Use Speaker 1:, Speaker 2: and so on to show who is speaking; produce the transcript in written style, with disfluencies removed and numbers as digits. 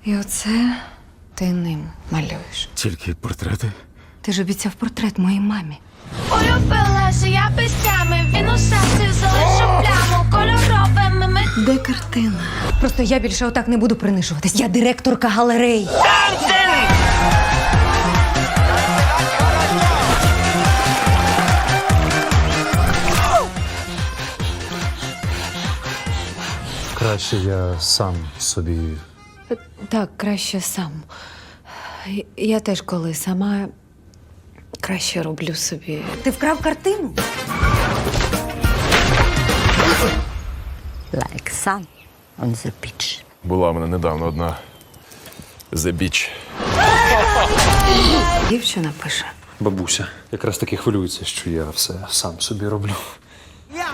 Speaker 1: І оце ти ним малюєш.
Speaker 2: Тільки портрети?
Speaker 1: Ти ж обіцяв портрет моїй мамі.
Speaker 3: Улюбилася я пестями, він у серці залишив пляму кольоровими.
Speaker 1: Де картина? Просто я більше отак не буду принижуватись. Я директорка галерей.
Speaker 4: Краще я сам собі.
Speaker 1: Так, краще сам. Я теж коли сама краще роблю собі. Ти вкрав картину?
Speaker 5: Like sun on the beach.
Speaker 2: Була в мене недавно одна The Beach.
Speaker 1: Дівчина пише.
Speaker 4: Бабуся якраз таки хвилюється, що я все сам собі роблю.